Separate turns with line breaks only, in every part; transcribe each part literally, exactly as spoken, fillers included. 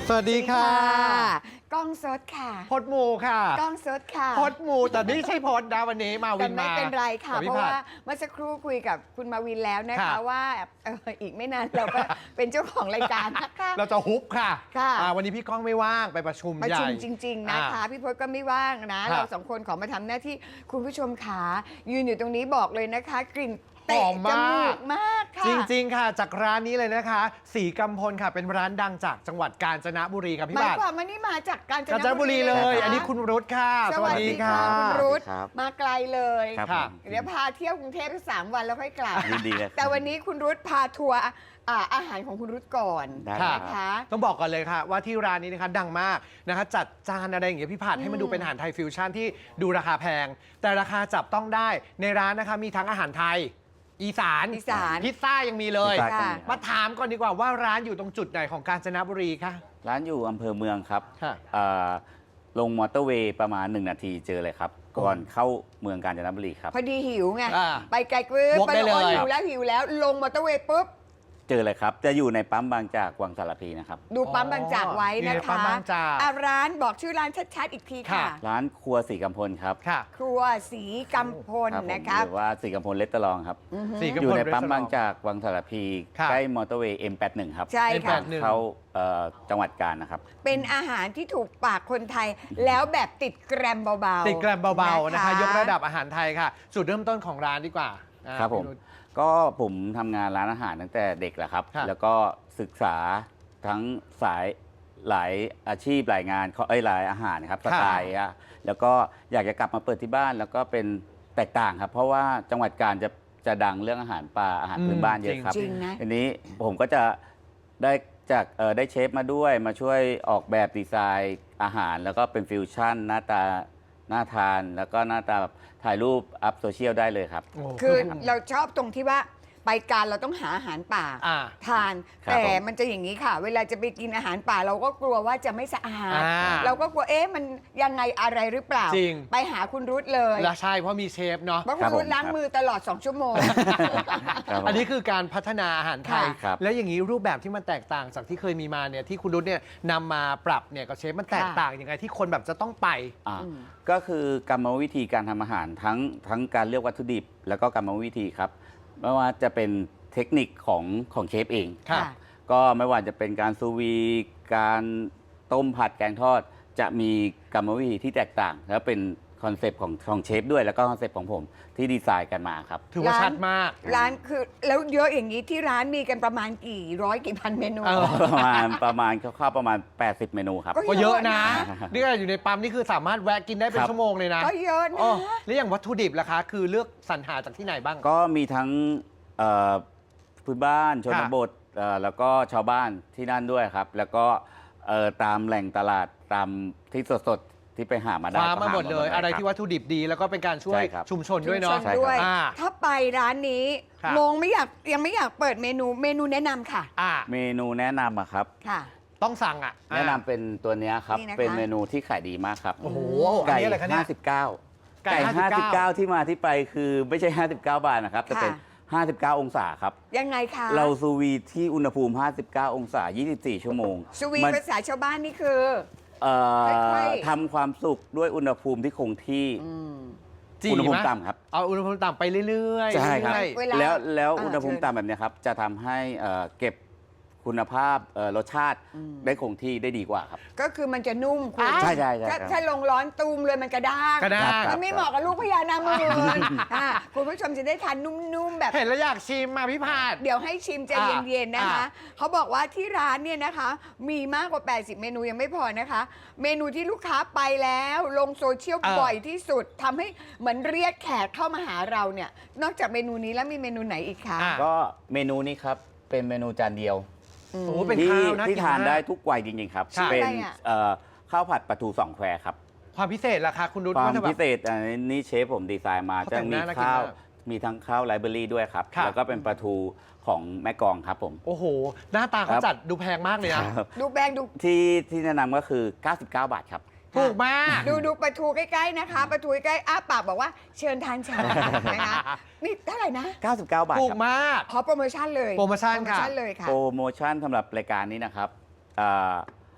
สวัสดีค่ะ
กล้องสดค่ะ
พดมูค่ะ
กล้องสดค่ะ
พดมูแต่นี่ใช่พดนะวันนี้มาวินมา
แต่ไม่เป็นไรค่ะเพราะว่าเมื่อสักครู่คุยกับคุณมาวินแล้วนะคะว่าเอออีกไม่นานเราก็เป็นเจ้าของรายการนะคะ
เราจะฮุบค่ะ
ค่ะ
วันนี้พี่ก้องไม่ว่างไปประชุม
ประชุม
ใหญ่
จริงๆนะคะพี่พจน์ก็ไม่ว่างนะเราสองคนขอมาทำหน้าที่คุณผู้ชมขายืนอยู่ตรงนี้บอกเลยนะคะกลิ่นเตะจมูกมากค่ะ
จริงๆค่ะจากร้านนี้เลยนะคะสีกำพลค่ะเป็นร้านดังจากจังหวัดกาญจนบุรีครับพี่
บัตรหมายความว่านี่มาจากกาญจน
บุรีเลย อันนี้คุณรุตค่ะ
สวัสดีค่ะคุณรุตมาไกลเลย
ค่ะ
เดี๋ยวพาเที่ยวกรุงเทพสามวันแล้วค่อยกลับ
ดีเลย
แต่วันนี้คุณรุตพาทัวร์อาหารของคุณรุตก่อน
นะคะต้องบอกก่อนเลยค่ะว่าที่ร้านนี้นะคะดังมากนะคะจัดจานอะไรอย่างเงี้ยพี่ผัดให้มันดูเป็นอาหารไทยฟิวชั่นที่ดูราคาแพงแต่ราคาจับต้องได้ในร้านนะคะมีทั้งอาหารไทยอีสาน
อีสาน
พิซซ่ายังมีเลยมาถามก่อนดีกว่าว่าร้านอยู่ตรงจุดไหนของกาญจนบุรีคะ
ร้านอยู่อำเภอเมืองครับ
ค่ะ
ลงมอเตอร์เวย์ประมาณหนึ่งนาทีเจอเลยครับก่อนเข้าเมืองกาญจนบุรีครับ
พอดีหิวไงไปไกลกึ๊บไปเลยหิวแล้วหิวแล้วลงมอเตอร์เวย์ปุ๊บ
เจอเลยครับจะอยู่ในปั๊มบางจากวังสารพีนะครับ
ดูปั๊มบางจากไว้นะคะร้านบอกชื่อร้านชัดๆอีกทีค่ะ
ร้านครัวสีกำพลครับ
ครัวสีกำพลนะคะ
หรือว่าสีกำพลเลสตอรองครับอยู่ในปั๊มบางจากวังสารพีใกล้มอเตอร์เวย์ เอ็ม แปดสิบเอ็ด ครับ
ใช่ค่ะ
เข้าจังหวัดกาญนะครับ
เป็นอาหารที่ถูกปากคนไทยแล้วแบบติดแกรมเบา
ๆติดแกรมเบาๆนะคะยกระดับอาหารไทยค่ะจุดเริ่มต้นของร้านดีกว่า
ครับผมก็ผมทำงานร้านอาหารตั้งแต่เด็กแหละครับแล้วก็ศึกษาทั้งสายหลายอาชีพหลายงานเอ้ยหลายอาหารครับสไตล์อะแล้วก็อยากจะกลับมาเปิดที่บ้านแล้วก็เป็นแตกต่างครับเพราะว่าจังหวัดกาญจะจะดังเรื่องอาหารป่าอาหารพื้นบ้านเยอะครับทีนี้ผมก็จะได้จากได้เชฟมาด้วยมาช่วยออกแบบดีไซน์อาหารแล้วก็เป็นฟิวชั่นหน้าตาน่าทานแล้วก็หน้าตาแบบถ่ายรูปอัพโซเชียลได้เลยครับ
คือเราชอบตรงที่ว่าไปการเราต้องหาอาหารป่าทานแต่มันจะอย่างนี้ค่ะเวลาจะไปกินอาหารป่าเราก็กลัวว่าจะไม่สะอาดเราก็กลัวเอ๊ะมันยังไงอะไรหรือเปล่า
จริง
ไปหาคุณรุตเลย
ใช่เพราะมีเชฟเนาะ
เพราะคุณรุตล้างมือตลอดสองชั่วโมง
อันนี้คือการพัฒนาอาหารไทยแล้วอย่างนี้รูปแบบที่มันแตกต่างจากที่เคยมีมาเนี่ยที่คุณรุตเนี่ยนำมาปรับเนี่ยกับเชฟมันแตกต่างยังไงที่คนแบบจะต้องไป
ก็คือกรรมวิธีการทำอาหารทั้งทั้งการเลือกวัตถุดิบแล้วก็กรรมวิธีครับไม่ว่าจะเป็นเทคนิคของของเชฟเองก็ไม่ว่าจะเป็นการซูวีการต้มผัดแกงทอดจะมีกรรมวิธีที่แตกต่างแล้วเป็นคอนเซปต์ของของเชฟด้วยแล้วก็คอนเซปต์ของผมที่ดีไซน์กันมาครับ
ถือว่าชัดมาก
ร้านคือแล้วเยอะอย่างนี้ที่ร้านมีกันประมาณกี่ร้อยกี่พันเมนู
ประมาณประมาณคร่าวๆประมาณแปดสิบเมนูครับ
ก็เยอะนะนี่อยู่ในปั๊มนี่คือสามารถแวะกินได้เป็นชั่วโมงเลยนะ
ก็เยอะนะ
แล้วอย่างวัตถุดิบล่ะคะคือเลือกสรรหาจากที่ไหนบ้าง
ก็มีทั้งพื้นบ้านชนบทแล้วก็ชาวบ้านที่นั่นด้วยครับแล้วก็ตามแหล่งตลาดตามที่สดๆที่ไปหามาได้
มาหมดเลยอะไรที่วัตถุดิบดีแล้วก็เป็นการช่วยชุมชนด้วยเนาะ
ถ้าไปร้านนี้งงไม่อยากยังไม่อยากเปิดเมนูเมนูแนะนำค่ะ
เมนูแนะนำอะครับ
ค่ะ
ต้องสั่งอ่ะ
แนะนำเป็นตัวนี้ครับเป็นเมนูที่ขายดีมากครับ
โอ้โห
ไก่ห้าสิบเก้าไก่ห้าสิบเก้าที่มาที่ไปคือไม่ใช่ห้าสิบเก้าบาทนะครับแต่เป็นห้าสิบเก้าองศาครับ
ยังไงคะ
เราซูวีที่อุณหภูมิห้าสิบเก้าองศายี่สิบสี่ชั่วโมง
ซูวีภาษาชาวบ้านนี่คือ
ทำความสุกด้วยอุณหภูมิที่คงที่อุณหภูมิต่ำครับ
เอาอุณหภูมิต่ำไปเรื่อย
ๆใช่ครับแล้วแล้วอุณหภูมิต่ำแบบนี้ครับจะทำให้เก็บคุณภาพรสชาติได้คงที่ได้ดีกว่าครับ
ก็คือมันจะนุ่มคุณ
ใช่ใช่ใช่
ถ้าลงร้อนตูมเลยมันกระด้าง
กระด้าง
มันไม่เหมาะกับลูกพญานาคคุณผู้ชมจะได้ทานนุ่มๆแบบ
เห็นแล้วอยากชิมมาพี่พาด
เดี๋ยวให้ชิมใจเย็นๆนะคะเขาบอกว่าที่ร้านเนี่ยนะคะมีมากกว่าแปดสิบเมนูยังไม่พอนะคะเมนูที่ลูกค้าไปแล้วลงโซเชียลบ่อยที่สุดทำให้เหมือนเรียกแขกเข้ามาหาเราเนี่ยนอกจากเมนูนี้แล้วมีเมนูไหนอีกคะ
ก็เมนูนี้ครับเป็นเมนูจานเดียว
ที่
ที่ทานได้ทุกวัยจริงๆครับเป็นข้าวผัดปลาทูสองแควครับ
ความพิเศษล่ะคะคุณรุต
ความพิเศษอันนี้เชฟผมดีไซน์มาจะมีข้าวมีทั้งข้าวไรเบอรี่ด้วยครับแล้วก็เป็นปลาทูของแม่กองครับผม
โอ้โหหน้าตาเขาจัดดูแพงมากเลยนะ
ดูแพงดู
ที่ที่แนะนำก็คือเก้าสิบเก้าบาทครับ
ถูกมาก
ดูดูปลาทูใกล้ๆนะคะปลาทูใกล้อ้าปากบอกว่าเชิญทานชานะคะนี่เท่าไหร่นะ
เก้าสิบเก้าบาท
ถูกมาก
ขอโปรโมชั่นเลย
โปรโมชั่นค่ะ
โปรโมชั่นสำหรับรายการนี้นะครับ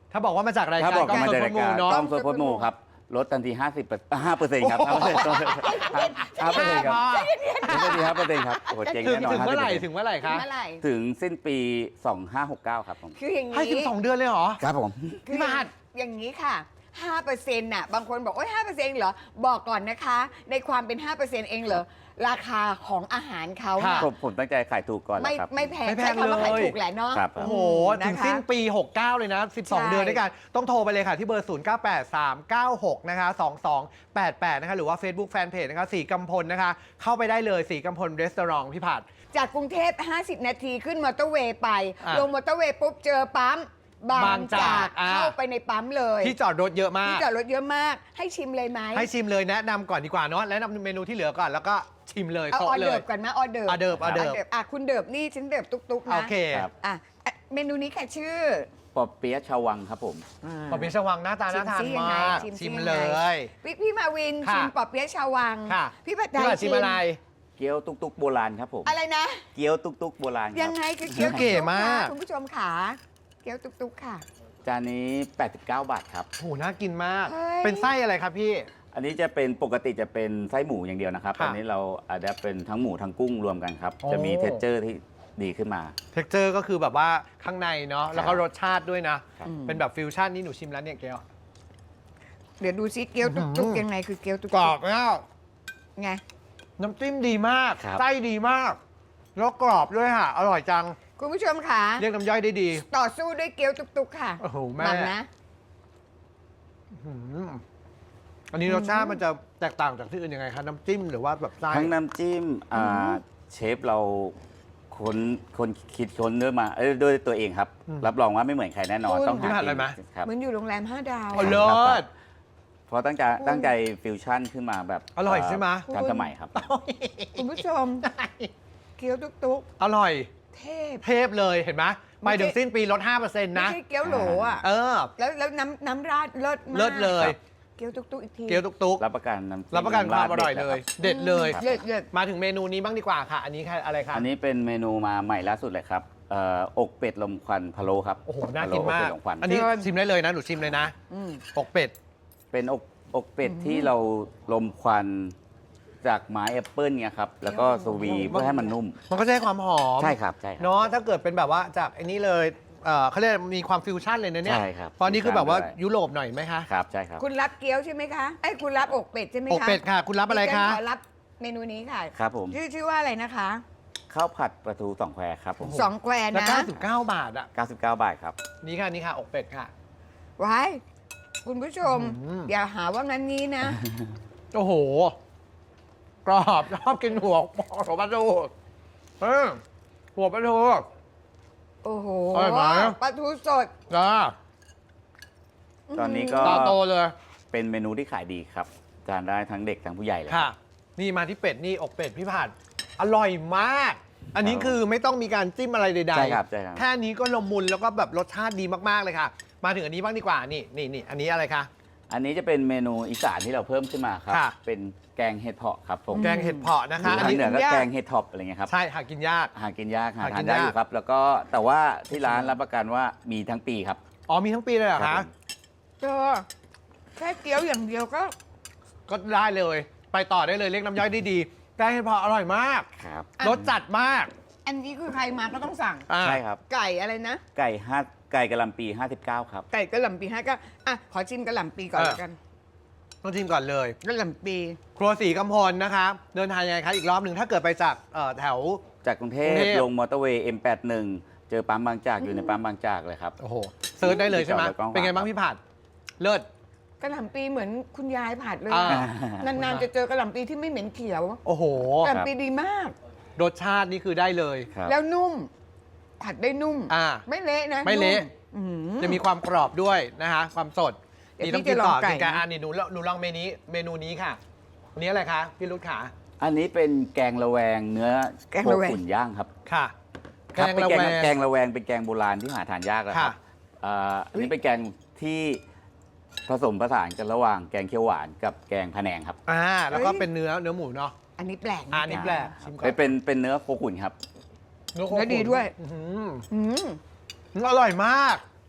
ถ้าบอกว่ามาจากราย
ถ้า
การ
บอก
กล้อง
มา
สด
จาก
พ
รา
ด
ย
มู
การ
เนาะ
กล้องสดพดมูครับลดทันทีห้าสิบห้าเปอร์เซ็นต์ครับห้าเปอร์เซ็นต์ห้าเปอร์เซ็นต์ครับลดทันทีห้าเปอร์เซ็นต์ครับโอ้โหเจ๋ง
ถึง
แน่นอน
ถึงเมื่อไหร่
ห้าสิบ
ถึงเมื่อไหร่คะ
เมื่อไหร่
ถึงสิ้นปีสองห้าหกเก้าครับผม
คืออย่าง
ให้ถึง
นี้
สองเดือนเลยเหรอ
ครับผม
คือ
พี่บาท
อย่างนี้ค่ะห้าเปอร์เซ็นต์น่ะบางคนบอกโอ้ยห้าเปอร์เซ็นต์เหรอบอกก่อนนะคะ ในความเป็นห้าเปอร์เซ็นต์เองเหรอราคาของอาหารเขาน่ะ
ผมผมตั้งใจขายถูกก่อนแห
ไม่
ละครับ
ไม่แพง
ไม่แพง
ใช้คำว่าขาย
เลย
ถูกแหละเนาะ
ครับ
โอ้โห
นะคะ
ถึงสิ้นปี หกเก้า เลยนะ สิบสอง
ใช่
เดือนด้วยกัน ต้องโทรไปเลยค่ะ ที่เบอร์ ศูนย์ เก้า แปด สาม เก้า หก นะคะ สอง สอง แปด แปด นะคะ หรือว่า Facebook Fanpage นะคะสีกำพลนะคะ เข้าไปได้เลยสีกำพลรีสอร์ทพี่ผัด
จากกรุงเทพห้าสิบนาทีขึ้นมอเตอร์เวย์ไป
อ่ะ
ลงมอเตอร์เวย์ปุ๊บเจอปั๊มบา
บาง ง
จา
จาก กอ่ะ
เข้าไปในปั๊มเลย
ที่จอดรถเยอะมา
ที่
ก
จอดรถเยอะมากให้ชิมเลยไหม
ให้ชิมเลยแนะนำก่อนดีกว่าเนาะแนะนำเมนูที่เหลือก่อนแล้วก็ชิมเลย
เอาอ
โต๊ะ
อ
เล
เดิ
ย
ร์ฟก่อนไหมออเดิร์ฟ
ออเดิร์ฟออเดิร์ฟ
อ่ะคุณเดิร์ฟนี่ฉันเดิร์ฟตุ๊กๆนะ
โอเค
ครับ
อ่ะอ่ะเมนูนี้ค่ะชื่อ
ปอเปี๊ยะชาววังครับผม
ปอเปี๊ยะชวังหน้าตาน่าทาน
ชิมซิยังไง
มาก
ชิมซิ
ชิม
ยังไง
เลย
พี่พี่มาวิน
ค่ะ
ชิมปอเปี๊ยะชาววัง
ค่ะ
พี่ผัดไท
พี่
ย
ผัดชิมอะไร
เกี๊ยวตุกตุกโบราณครับผม
อะไรนะ
เกี๊ยวตุกตุกโบราณค
ยั
รับ
งไงคือเกี๊ยว
เก๋มาก
ตุ๊ๆนะคุณผู้ชมขาเกี๊ยวตุ๊กๆค่ะ
จานนี้แปดสิบเก้าบาทครับ
โหน่ากินมาก
เฮ้ย
เป็นไส้อะไรครับพี่
อันนี้จะเป็นปกติจะเป็นไส้หมูอย่างเดียวนะครับ
ค่ะ
อันนี้เราอาจจะเป็นทั้งหมูทั้งกุ้งรวมกันครับ
โอ้
จะมีเท็กเจอร์ที่ดีขึ้นมา
เท็กเจอร์ก็คือแบบว่าข้างในเนาะแล้วก็
ครับ
รสชาติด้วยนะ
ครับ
เป็นแบบฟิวชั่นนี่หนูชิมแล้วเนี่ยเกี๊ยว
เดี๋ยวดูซิเกี๊ยว
อื้อหื
ตุ๊ก
อ
ๆยังไงคือเกี๊ยวตุ๊ก
กรอบมาก
ๆไง
น้ำจิ้มดีมาก
ครับ
ไส้ดีมาก แล้วกรอบด้วยค่ะ อร่อยจัง
คุณผู้ชมขา
เรียกน้ำย่อยได้ดี
ต่อสู้ด้วยเกี๊ยวตุ๊กๆค่ะ
โอ้โหแม่
มันนะ
อืมอันนี้รสชาติมันจะแตกต่างจากที่อื่นยังไงคะน้ำจิ้มหรือว่าแบบไส้
ทั้งน้ำจิ้มอ่าเชฟเราคนคนคิดค้นด้วยมาเอ้ยด้วยตัวเองครับ รับรองว่าไม่เหมือนใครแน่นอน
คุณ
ต้องหา
พี่ผัดอะไรไหม
ครับ
เหมือนอยู่โรงแรมห้าดาว
โอ้
อะ
เลิศ
เพราะตั้งใจตั้งใจฟิวชั่นขึ้นมาแบบ
อร่อยใช่ไหม
เทันสมัยครับ
คุณผู้ชมเกี๊ยวตุ๊ก
อร่อย
ๆเทพ
เทพเลยเห็นไหมไปถึงสิ้นปีลด ห้าเปอร์เซ็นต์
ไม่
นะ
ใช่เกี๊ยวโหลอ่ะ
เออ
แล้วแล้วน้ำน้ำราดเลิศมาก
เลิศเลย
เกี๊ยวตุ๊กๆอีกที
เกี๊ยวตุก
รับประกันน้ำจิ้
ๆรับประกันความอร่อยเลย เด็ดเลย
เลิศเลิศ
มาถึงเมนูนี้บ้างดีกว่าค่ะ อันนี้ค่ะอะไรคะ
อันนี้เป็นเมนูมาใหม่ล่าสุดเลยครับเอ่ออกเป็ดลมควันพะโล้ครับ
โอ้โห น่ากินมาก
พะโล้อกเป็ดลมควัน
อันนี้ชิมได้เลยนะ หนูชิมเลยนะ
อืม
อกเป็ด
เป็นอกอกเป็ดที่เราลมควันจากไม้แอปเปิลเนี่ยครับ แล้วก็ซูวีเพื่อให้มันนุ่ม
มันก็จะให้ความหอม
ใช่ครับใช่ครับ
เนาะถ้าเกิดเป็นแบบว่าจากไอ้นี้เลยเอ่อเขาเรียกมีความฟิวชั่นเลยนะเนี่ย
ใช่ครับ
ตอนนี้คือแบบว่า
ฟิวชั่นด้วย
ยุโรปหน่อยไหมคะ
ครับใช่ครับ
คุณรับเกี๊ยวใช่ไหมคะไอ้ยคุณรับอกเป็ดใช่ไหมคะ
อกเป็ดค่ะ คุณรับอะไรคะ
ดิฉันขอรับเมนูนี้ค่ะ
ครับผม
ชื่อชื่อว่าอะไรนะคะ
ข้าวผัดปลาทูสองแควครับผม
สองแคว
แล้ว
นะ
เก้าสิบเก้าบาทอ่ะ
เก้าสิบเก้าบาทครับ
นี่ค่ะนี่ค่ะ อกเป็ดค่ะ
ไว้คุณผู้ชม
อืม
อย่าหาว่างั้นงี้นะ
โอ้โห กรอบชอบกินหัวหัวปลาทูเออหัวปลาทู
โอ้โห
อร่อยไหม
ปลาทูสด
จ้า
ตอนนี้ก็
ตาโตเลย
เป็นเมนูที่ขายดีครับทานได้ทั้งเด็กทั้งผู้ใหญ่เลย
ค่ะ นี่มาที่เป็ดนี่อกเป็ดพี่ผัดอร่อยมาก อันนี้คือไม่ต้องมีการจิ้มอะไรใดๆ
ใช่ครับใช่ครับ
แค่นี้ก็ละมุนแล้วก็แบบรสชาติดีมากๆเลยค่ะ มาถึงอันนี้บ้างดีกว่า นี่นี่นี่อันนี้อะไรคะ
อันนี้จะเป็นเมนูอีสานที่เราเพิ่มขึ้นมาครับ
ค่ะ
เป็นแกงเห็ดเผาะครับผม
แกงเห็ดเผาะนะคะ
หรือ
อัน
ทาง
นี้
เหนือก็
ยาก
แกงเห็ดท็อปอะไรเงี้ยครับ
ใช่หากินยาก
หากินยากหา
หากิ
ทาน
น
ได้
ยาก
อยู่ครับ แล้วก็แต่ว่าที่ร้านรับประกันว่ามีทั้งปีครับ
อ๋อมีทั้งปีเลยเหรอ
ครั
คะ
บผม
เจอแค่เกี๊ยวอย่างเดียวก็
ก็ได้เลย ไปต่อได้เลยเรียกน้ำย่อยได้ดีแกงเห็ดเผาะอร่อยมาก
ครับ
อ่ะ
รสจัดมาก
อันนี้คือใครมาก็ต้องสั่ง
อ่า
ใช่ครับ
ไก่อะไรนะ
ไก่ห้าไก่กะหล่ำปีห้าสิบเก้าครับ
ไก่กระหล่ำปีห้าก็อ่ะขอชิมกระหล่ำปีก่อนแล้วกัน
ต้องชิมก่อนเลย
กระหล่ำปี
ครัวสีกำพลนะคะ เดินทางยังไงคะอีกรอบหนึ่งถ้าเกิดไปจากเอ่อแถว
จากกรุงเท
กรุ
พ
งเทพ
ลงมอเตอร์เวย์ เอ็ม แปดสิบเอ็ด เจอปั๊มบางจากอยู่ในปั๊มบางจากเลยครับ
โอ้โหเซิร์ชได้เลยใช่ไหม
จอดรถกว้างๆ
เป็นไงบ้างพี่ผัด เลิศ
กระหล่ำปีเหมือนคุณยายผัดเลย
อ่า
อะนานๆจะเจอกระหล่ำปีที่ไม่เหม็นเขียว
โอ้โห
กระหล่ำปีดีมาก
รสชาตินี่คือได้เลย
ครับ
แล้วนุ่ม ผัดได้นุ่ม
อ่า
ไม่เละนะ
ไม่เละ
นุ่อื้อหือ
จะมีความกรอบด้วยนะคะความสด
เดี๋ยว
นี่ต้อง
พี่
กิน
จะล
ต่
อ
อง
ไก่
กินกัน
นะ
อ่านี่หนูหนูลองเมนูเมนูนี้ค่ะอันนี้อะไรคะพี่รุดขา
อันนี้เป็นแกงระแวงเนื้อ
แกง
โค
ระแวง
ขุนย่างครับ
ค่ะ แก
ครับ
ง
เป็น
ระ
แก
แว
ง
ง
แกงระแวงเป็นแกงโบราณที่หาทานยากแล้วครับ
ค่ะ
อ่าอันนี้เป็นแกงที่ผสมผสานกันระหว่างแกงเขียวหวานกับแกงพะแนงครับ
อ่าแล้วก็เป็นเนื้อเนื้อหมูเนาะ
อันนี้แปลก
อ่าอันนี้แปลกชิมก่อน
เป็นเป็นเนื้อโคขุนครับ
เนื้อโค
เนื้อดีด้วย
อื้อหือ
อืม
อร่อยมาก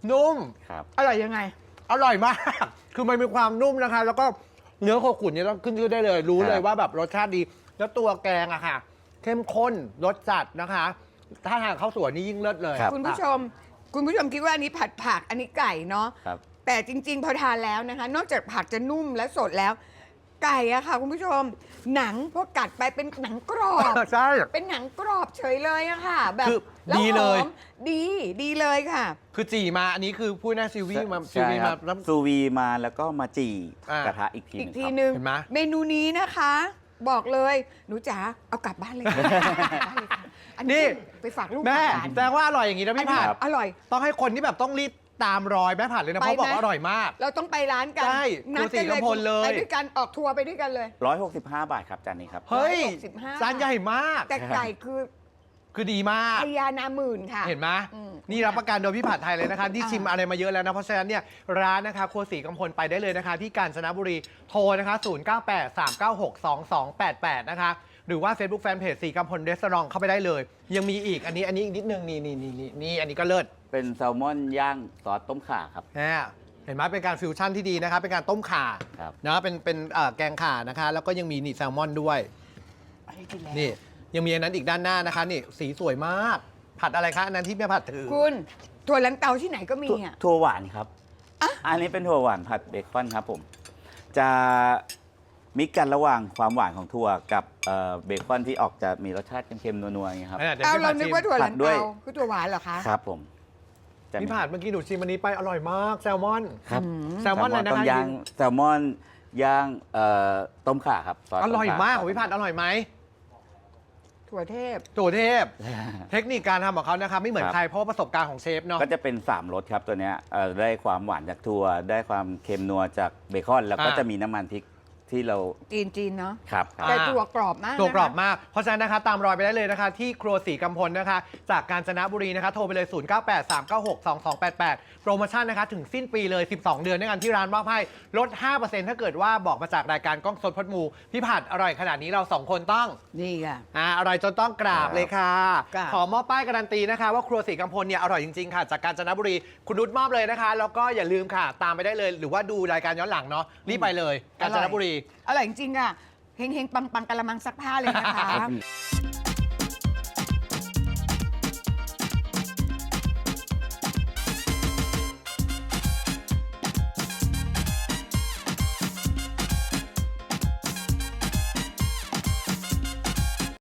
นุ่ม
ครับ
อร่อยยังไง
อร่อยมาก คือมันมีความนุ่มนะคะ แล้วก็เนื้อโคขุนเนี่ยต้องขึ้นชื่อได้เลย รู้เลยว่าแบบรสชาติดี แล้วตัวแกงอะค่ะ เข้มข้น รสจัดนะคะ ถ้าทานข้าวสวยนี่ยิ่งเลิศเลย
ครับ
คุณผู้ชม คุณผู้ชมคิดว่าอันนี้ผัดผักอันนี้ไก่เนาะ
ครับ
แต่จริง ๆ พอทานแล้วนะคะ นอกจากผักจะนุ่มและสดแล้ว ไก่อะค่ะ คุณผู้ชม หนังพอกัดไปเป็นหนังกรอบ
ใช่
เป็นหนังกรอบเฉยเลยอะค่ะ แบบ
คือ
แล้ว
ดีเลย
หอมดีดีเลยค่ะ
คือจีมาอันนี้คือพูดหน้าซิวี่มาซิ
ใช่
วี่
ค
มา
รับ
แล้ว
ซูวีมาแล้วก็มาจี่
อ่าก
ระทะอีกที
อีก
ห
ที
นึงครับ
หนึ่ง
เห็นไหม
เมนูนี้นะคะ บอกเลยหนูจ๋าเอากลับบ้านเลยค่ะอัน
นี่
นี้ไปฝากลูก
แม่
ฝากหลาน
แสดงว่าอร่อยอย่างนี้นะพี่ผัด
อร่อย
ต้องให้คนที่แบบต้องรีบตามรอยแม่ผัดเลยนะ
ไป
เพราะบอก
ไหม
ว่าอร่อยมาก
เราต้องไปร้านกัน
ใช่
นัดกัน
ครัวศรีกำพลเลย
ไปด้วยกันออกทัวร์ไปด้วยกันเลย
ร้อยหกสิบห้าบาทครับจานนี้ครับ
เฮ้ย
หกสิบห้า
จานใหญ่มาก
แต่ไก่คือ
คือดีมาก
พญานาหมื่นค่ะ
เห็นไหม
อืม
นี่รับประกันโดยพี่ผัดไทยเลยนะคะ ที่
อ่า
ชิมอะไรมาเยอะแล้วนะ เพราะฉะนั้นเนี่ยร้านนะคะครัวศรีกำพลไปได้เลยนะคะ ที่กาญจนบุรีโทรนะคะ ศูนย์ เก้า แปด สาม เก้า หก สอง สอง แปด แปด นะคะ หรือว่า Facebook Fanpage ศรีกำพลรีสอร์ทเข้าไปได้เลย ยังมีอีกอันนี้อันนี้อีกนิดนึงนี่นี่นี่นี่นี่อันนี้ก็เลิศ
เป็นแซลมอนย่างซอสต้มข่าครับ
นะเห็นไหมเป็นการฟิวชั่นที่ดีนะคะเป็นการต้มข่า
ครับ
นะเป็นเป็นเอ่อแกงข่านะคะ แล้วก็ยังมีนี่แซลมอนด้วย
อันนี้กินแล้ว
นี่ยังมีอันนั้นอีกด้านหน้านะคะนี่สีสวยมาก ผัดอะไรคะอันนั้นที่แม่ผัดถือ
คุณถั่วลันเตาที่ไหนก็มี
ถั่ว
อ่ะ
ถั่วหวานครับ อันนี้เป็นถั่วหวานผัดเบคอนครับผม จะมิกกันระหว่างความหวานของถั่วกับเอ่อเบคอนที่ออกจะมีรสชาติเค็มๆนัวๆอย่างเงี้ยครับ
ดี๋ยว
เอา
พี่
เรา
ผัด
นึก
ชิม
ว่าถั่วลัน
ผัดด้วย
เตาคือถั่วหวานเหรอคะ
ครับผมจะ
พี่ผัดเมื่อกี้หนูชิมอันนี้ไปอร่อยมากแซลมอน
ครับ
แซลมอนอะไรนะ
ต้ม
คะ
ย่างแซลมอนย่างเอ่อต้มข่าครับซส
อร่อย
ต้ข่
มากของพี่ผัดอร่อยไหม
ถั่วเทพ
ตัวเทพ เทคนิคการทำของเขานะคะไม่เหมือน
ครับ
ใครเพราะว่าประสบการณ์ของเชฟเนาะ
ก็จะเป็นสามรสครับตัวเนี้ยเอ่อได้ความหวานจากถั่วได้ความเค็มนัวจากเบคอน แล้วก็
อ่า
จะมีน้ำมันพริกที่เรา
จีนจีนเนาะ
ครับ
อ่า
แต่ถั่วกรอบมาก
ตัวกรอบ
นะคะ
มาก เพราะฉะนั้นนะคะตามรอยไปได้เลยนะคะ ที่ครัวศรีกำพลนะคะ จากกาญจนบุรีนะคะ โทรไปเลย ศูนย์ เก้า แปด สาม เก้า หก สอง สอง แปด แปด โปรโมชั่นนะคะ ถึงสิ้นปีเลย สิบสอง เดือนด้วยกันที่ร้านมอบให้ลด ห้าเปอร์เซ็นต์ ถ้าเกิดว่าบอกมาจากรายการกล้องสดพดมู พี่ผัดอร่อยขนาดนี้เราสองคนต้อง
นี่ค่ะ
อ่าอร่อยจนต้องกราบเลยค่ะ
กราบ
ขอมอบป้ายการันตีนะคะ ว่าครัวศรีกำพลเนี่ยอร่อยจริงๆค่ะ จากกาญจนบุรีคุณนุชมอบเลยนะคะ แล้วก็อย่าลืมค่ะ ตามไปได้เลย หรือว่าดูรายการย้อนหลังเนาะรีบไปเลยกาญจนบุรี
อร่อยจริงๆอ่ะเฮงๆ ปังๆกะละมังซักผ้าเลยนะคะ